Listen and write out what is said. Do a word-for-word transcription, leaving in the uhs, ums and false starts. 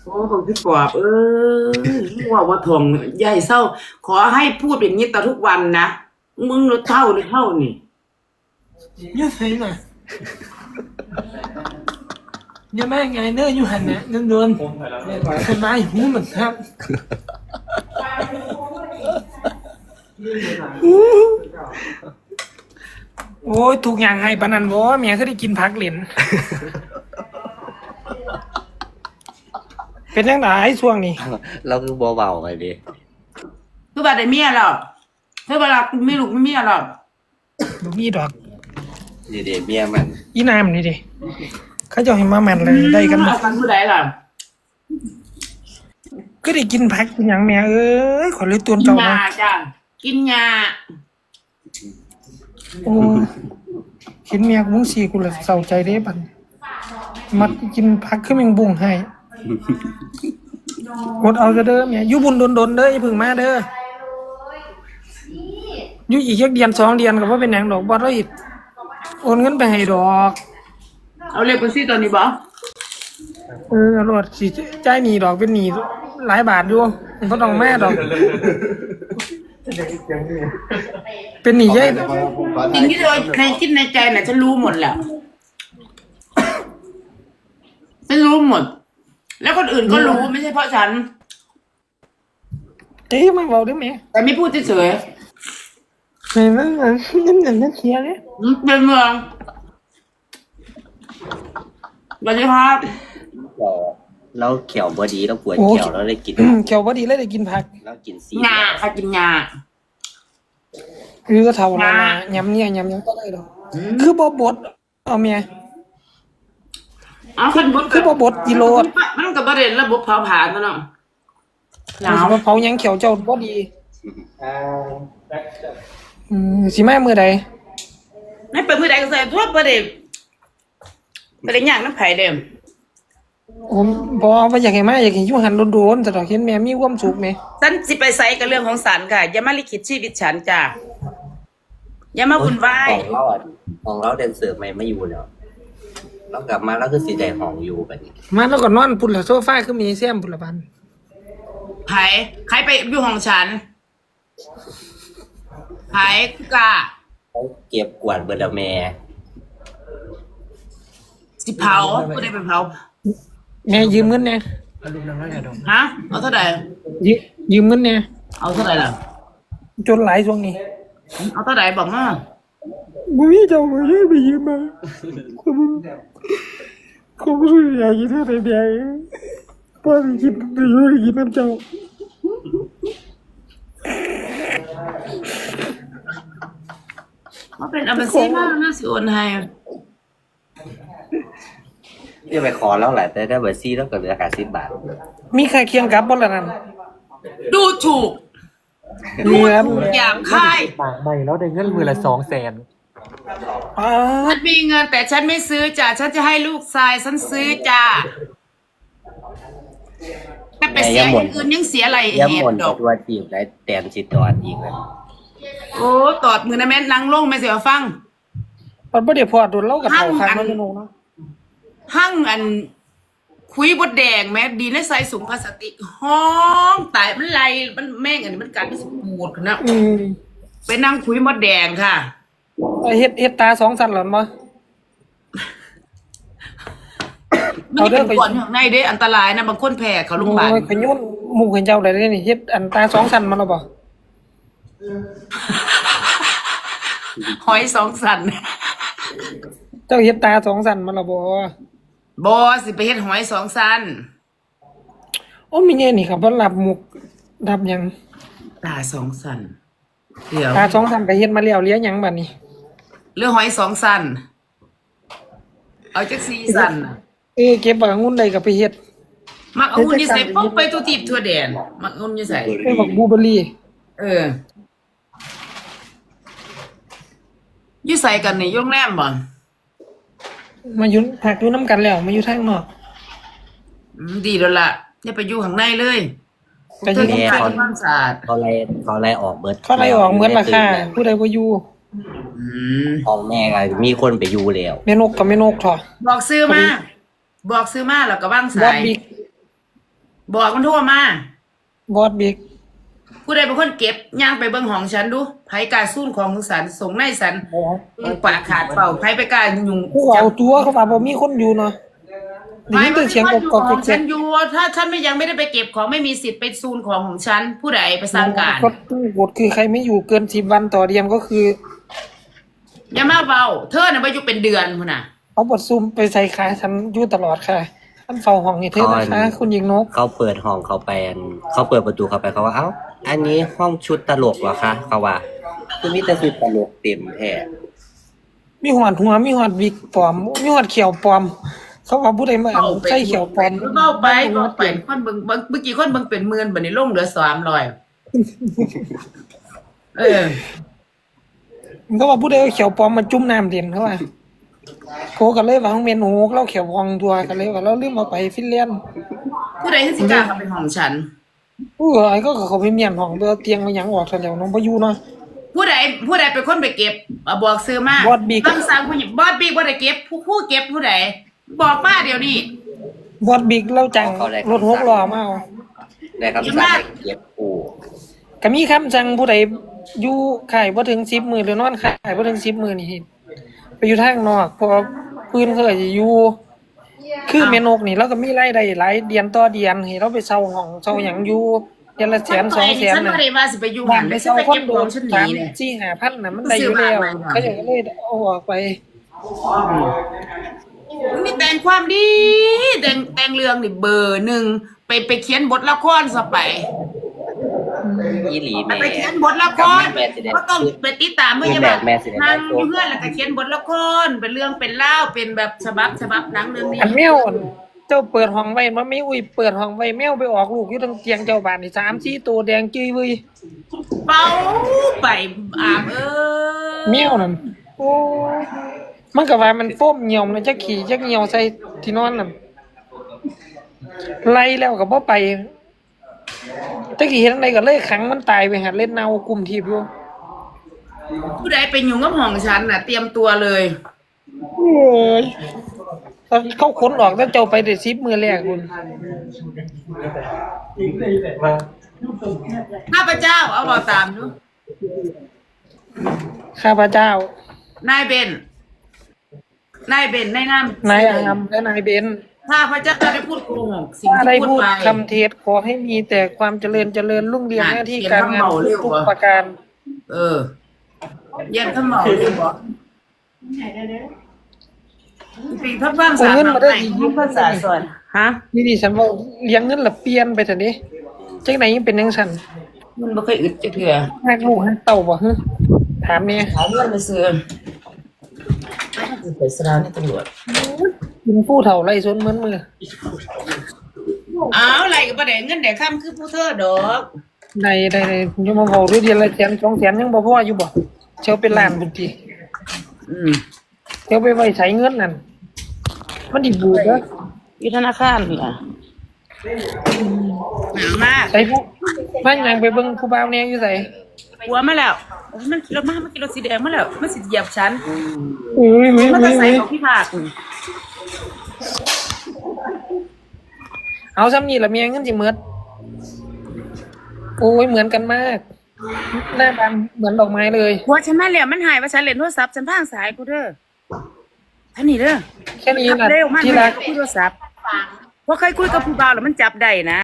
โอ้ของพี่ปอบเออว่าว่าทองใหญ่เศร้าขอให้พูดอย่างนี้ต่อทุกวันนะมึงรถเท่าหรือเท่านี่ยืดใส่หน่อยอย่าแม่ไงเนื้ออยู่หันนะโดนโดนคนร้ายหูเหมือนครับโอ้ยถูกอย่างไงปะนันบ่เมียเขาได้กินพักเหรียญเป็นยังไงช่วงนี้เราคือเบาๆไปดิคือว่าได้เมียหรอกเธอเวลาไม่ลูกไม่เมียหรอกบ่มีดอกนี่เดี๋ยวเมียมันอีน้ำนี่ดิเขาจะให้มาแมนเลยได้กันหมดกันผู้ใดล่ะก็ได้กินพักกินอย่างแม่เอ้ยขอเลยตัวนเจ้ามาจ้ะกินยาโอ้เห็นเมียกูมึงสีกูเลยเศร้าใจเด้บัดมัดกินพักขึ้นยังบุ้งให้กดเอาจะเด้อเมียอยู่บุญโดนๆเด้ออย่าพึ่งมาเด้ออยู่อีกแค่เดือนสองเดือนก็บ่เป็นหยังดอกบ่ได้อีกโอนเงินไปให้ดอกเอาเรียกคนซี่ตอนนี้บ่เออรถสิจ่ายหนี้ดอกเป็นหนี้หลายบาทอยู่บ่ต้องแม่ดอกเป็นหนี้ใหญ่สิ่งที่เธอในคิดในใจน่ะฉันรู้หมดแหละฉันรู้หมดแล้วคนอื่นก็รู้ไม่ใช่เพราะฉันเอ๊ะมาเว้าได้มั้ยแต่ไม่พูดเฉยๆไม่มันมันนั่นนั่นเสียเลยเป็นเมืองสวัสดีครับเราเขียวบอดีเราปวดเขียวเราได้กินเขียวบอดีเลยได้กินผักเรากินซีงาค่ะกินงาคือก็เท่านั้นนะยำเนี่ยยำยังก็ได้ดอกคือบ่บดเอาเมียเอาขึ้นบดคือบ่บดกิโลมันก็บ่ได้ระบบเผาผลาญเนาะหนาวเผายังเขียวเจ้าบ่ดีอืมสิมามื้อใดไม่เปิดมื้อใดก็ใส่ทั่วบ่ได้บ่ได้ย่างน้ำไผเด้อผมบ่ว่าอยากให้มาอยากให้อยู่หันโดนๆแต่ดอกเห็นแม่มีความสุขแม่ฉันสิไปไสกับเรื่องของศาลค่ะอย่ามาลิขิตชีวิตฉันจ้ะอย่ามาวุ่นวายของเราอ่ะของเราเดนเซอร์ไม่มาอยู่แล้วเรากลับมาแล้วคือสิได้ห้องอยู่บัดนี้มาแล้วก็นอนพุ่นละโซฟาคือมีแซมพุ่นละบันไผใครไปอยู่ห้องฉันไผกะเขาเก็บกวาดเบิดแล้วแม่สิเผาบ่ได้ไปเผาแม่ยืมเงินแน่ฮะเอาเท่าใดยืมยืมเงินแน่เอาเท่าใดล่ะจนหลายช่วงนี้เอาเท่าใดบอกมาบ่มีเจ้าบ่ได้ไปยืมมาเขาบ่รู้อยากกินเท่าใดเดียวบ่ได้กินได้อยู่ได้กินน้ำเจ้ามาเป็นอัมบาซีมากน่าสิโอนให้จะไปขอแล้วแหละแต่ได้เบอร์ซี่แล้วก็เหลือแค่สิบบาทมีใครเคียงกับบ่ล่ะนั่นดูถูกดูถูกหยาบคายใหม่แล้วได้เงินมือละสองแสนฉันมีเงินแต่ฉันไม่ซื้อจ้ะฉันจะให้ลูกชายฉันซื้อจ้ะแต่ไปเสียอย่างอื่นยังเสียอะไรเหตุดอกตัวจีบได้แตนสิตอดอีกเลยโอ้ตอดมือนะแม่นั่งลงไม่เสียฟังมันบ่ได้พอดโดนเล่ากับเขาคักมันเนาะหั่งอันคุยบดแดงแม่ดีในใส่สูงพลาสติกห้องตายมันไหลมันแม่งอันนี้มันกัดมันปวดนะไปนั่งคุยมดแดงค่ะเฮ็ดเฮ็ดตาสองสันหรอมั้ยมันเป็นก่อนข้างในเด้อันตรายนะบางคนแพ้เขาโรงพยาบาลขยุ่นหมู่ขเจ้าได้นี่เฮ็ดอันตาสองสันมันแล้วบ่หอยสองสันเจ้าเฮ็ดตาสองสันมันแล้วบ่บ่สิไปเฮ็ดหอยสองสันโอ้มีแน่นี่ครับบ่รับมุกรับหยังตาสองสันเดี๋ยวตาสองสันก็เฮ็ดมาแล้วเหลือหยังบัดนี้เหลือหอยสองสันเอาจักสี่สันเอ้เก็บบักองุ่นได้ก็ไปเฮ็ดมักองุ่นนี่ใส่ปุ๊บไปตัวตีบทั่วแดนมักองุ่นนี่ใส่เอ้บักบลูเบอร์รี่เอออยู่ใส่กันนี่โรงแรมบ่มาอยู่พักอยู่นำกันแล้วมาอยู่ทางนอกอืมดีแล้วล่ะอย่าไปอยู่ข้างในเลยไปอยู่ที่เขาความสะอาดเขาไล่เขาไล่ออกเบิดเขาไล่ออกเบิดราคาผู้ใดบ่อยู่อืมของแม่ก็มีคนไปอยู่แล้วแม่นกกับแม่นกเถาะบอกซื้อมาบอกซื้อมาแล้วก็วางสายบอกมันโทรมาบอสบิ๊กผู้ใดเป็นคนเก็บย่างไปเบิ่งของฉันดูไผกล้าสู้ของของสันส่งในสันปากขาดเปล่าไผไปกล้ายุ่งกูเอาตัวเขาว่าบ่มีคนอยู่เนาะได้ไผยินมัแต่นเสียงคนกอยู่กอกของแกฉักนอยู่ถ้าฉันไม่ยังไม่ได้ไปเก็บของไม่มีสิทธิ์ไปซูนของของฉันผู้ใดไปสร้างการกฎกฎคือใครไม่อยู่เกินสิบวันต่อเดือนก็คืออย่ามาเบาเธอน่ะไปอยู่เป็นเดือนพุ่นน่ะเอาบทซุ่มไปใส่ขาฉันอยู่ตลอดค่ะท่านเฝ้าห้องนี่เธอนะคะคุณหญิงนกเขาเปิดห้องเขาไปอันเขาเปิดประตูเขาไปเขาว่าเอ้าอันนี้ห้องชุดตลกเหรอคะเขาว่าคือมีแต่ชุดตลกเต็มแท้มีหอดหัวมีหอดวิกปลอมมีหอดเขียวปลอม เขาว่าผู้ใดมาอ่านใส่เขียวปลอมเบาไปเบาไปคนเบิ่งเบิ่งเมื่อกี้คนเบิ่งเป็นหมื่นบัดนี้ลงเหลือสามร้อยเออเขาว่าผู้ใดเอาเขียวปลอมมาจุ่มน้ำเด่นเขาว่าโคกันเลยว่าห้องเมนโอ้เราเขียววองตัวกันเลยว่าเราลืมเอาไปฟินแลนด์ผู้ใดที่สิกล้าเข้าไปห้องฉันผู้เอ้ยก็เขาไปเมียนห้องเบอเตียงมาหยังออกทันแล้วน้องพายุเนาะผู้ใดผู้ใดเป็นคนไปเก็บอ่ะบอกซื้อมาบอสบิ๊กคำสั่งผู้หญิงบอสบิ๊กบ่ได้เก็บผู้ผู้เก็บผู้ใดบอกมาเดี๋ยวนี้บอดบิ๊กเราจังรถหกล้อมาเอาได้คำสั่งให้เก็บปูก็มีคำสั่งผู้ใดอยู่ข่ายบ่ถึงสิบมื้อหรือนอนข่ายบ่ถึงสิบมื้อนี่ไปอยู่ทางนอกเพราะพื้นเขาอาจจะอยู่คือแม่นกนี่เราก็มีรายได้หลายเดือนต่อเดือนให้เราไปเช่าห้องเช่าหยังอยู่เดือนละแสนสองแสนฉันน่ะบ่ได้ว่าสิไปอยู่บ้าหันนไปได้ฉันเช่าไปคอเก็นบโดของฉันหสานีมเนี่ยสี่ห้าพันน่ะมันได้อยู่แล้วเขาจะเลยเอาออกไปมันมีแต่งความดีแต่งแต่งเรื่องนี่เบอร์หนึ่งไปไปเขียนบทละครซะไปอีหลีไปแม่ไปเขียนบทละครแม่สิได้ก็ต้องไปติดตามเมื่อคือจะแม่แบบแม่สิได้นั่งได้อยู่เพื่อนแล้วก็เขียนบทละครเป็นเรื่องเป็นเล่าวเป็นแบบฉบับฉบับหนังเรื่องนี้อันแมวอั่นเจ้าเปิดห้องไว้มันไม่อุ้ยเปิดห้องไว้แมวไปออกลูกอยู่ทางเตียงเจ้าบ้านนี่สามสี่ตัวแดงจื้อเว้ยเป่าไปอาบเออแมวนั่นโอ้มันก็ว่ามันโฟมเหี่ยวมันจะขี่จะเหี่ยวใส่ที่นอนนั่นไล่แล้วก็บ่ไปตะกี้เห็นอะไรก็เลยขังมันตายไปหัดเล่นเนากลุ่มทีบอยู่ผู้ใดไปอยู่กับห้องฉันน่ะ เตรียมตัวเลยโอ้ยเขาค้นออกแล้วเจ้าไปได้สิบมือแรกคุณข้าพเจ้าเอาบอกตามดูข้าพเจ้านายเบนนายเบนนายน้ำนายอามและนายเบนถ้าพระเจ้าได้พูดโกหกสิ่งถ้าที่ได้พูดพูดไปคำเทศขอให้มีแต่ความเจริญเจริญรุ่งเรืองอ่ะหน้าที่เขียนการคำงานเมาเร็วทุกวะประการเออเย็นขมเหมาเลยบอกปีพักบ้างสามไหนยุคภาษาส่วนฮะนี่ดิฉันว่าเลี้ยงเงินละเปลี่ยนไปเถอะดิจังไหนยังเป็นยังฉันมันไม่เคยอึดจะเถื่อหักลูกหักเต่าบ่ฮึถามเนี่ยหาเงินไปซื้อไปสลาวนี่ตำรวจกินผู้เฒ่าไล่สวนเหมือนมืออ้าวอะไรกับประเด็นเงินเด็กข้ามคือผู้เธอดอกได้ได้ได้ยังมาบอกด้วยเดียวละแสนสองแสนยังบ่พออยู่บ่เชียวเป็นล้านบุญทีอืมเชียวไปไว้ใช้เงินนั่นมันดิบูดเด้ออยู่ธนาคารเหรอหนาวมากใส่ผู้มันยังไปเบิ่งผู้บ่าวแนวอยู่ไสหัวมาแล้วโอ้ยมันกินรถมากมันกินรถสีแดงมาแล้วมันสิเหยียบฉันอุ้ยอุ้ยมันอุ้จะยใส่อุ้ยของพี่ภาคนี่เอาซ้ำนี่ละเมียเงินสิหมดโอ้ยเหมือนกันมากหน้าบานเหมือนดอกไม้เลยหัวฉันมาแล้วมันหายว่าฉันเล่นโทรศัพท์ฉันพางสายกูเด้อท่านนี่เด้อแค่นี้ขับนะเร็วมันที่ไม่รัได้กคุยโทรศัพท์เพราะเคยคุยกับผู้บ่าวแล้วมันจับได้นะ